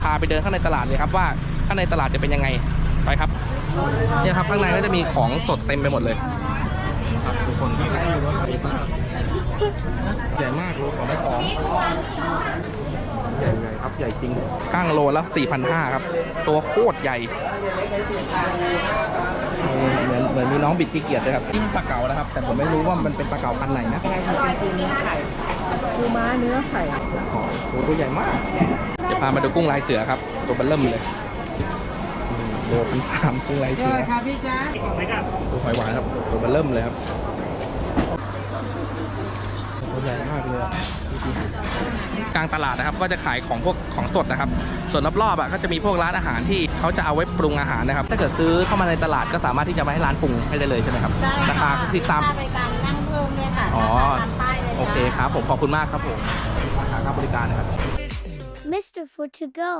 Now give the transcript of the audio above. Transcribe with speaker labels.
Speaker 1: าไปเดินข้างในตลาดเลยครับว่าข้างในตลาดจะเป็นยังไงไปครับเนี่ยครับข้างในก็จะมีของสดเต็มไปหมดเลยครับทุกคนใหญ่มากโลของได้ของใหญ่ครับใหญ่จริงก้างโลแล้ว 4,500 ครับตัวโคตรใหญ่เหมือนมีน้องบิดขี้เกียจเลยครับนี่ปลาเก๋านะครับแต่ผมไม่รู้ว่ามันเป็นปลาเก๋าพันธุ์ไหนนะ
Speaker 2: ปูม้าเนื้อไข่
Speaker 1: โอ้ตัวใหญ่มากจะพามาดูกุ้งลายเสือครับตัวเบลเริ่มเลยโล1,300กุ้งลายเสือ
Speaker 2: ครับพี่จ๊ะ
Speaker 1: ตัวหอยหวานครับตัวเบลเริ่มเลยครับตัวใหญ่มากเลยกลางตลาดนะครับก็จะขายของพวกของสดนะครับส่วนรอบๆก็จะมีพวกร้านอาหารที่เขาจะเอาไว้ปรุงอาหารนะครับถ้าเกิดซื้อเข้ามาในตลาดก็สามารถที่จะมาให้ร้านปรุงให้ได้เลยใช่ไหมครับราคาคือตาม
Speaker 2: บริการนั่งเพิ่มเนี่ยค่ะ
Speaker 1: อ๋อโอเคครับผมขอบคุณมากครับผมค่าบริการนะครับ
Speaker 3: Mr. Food to go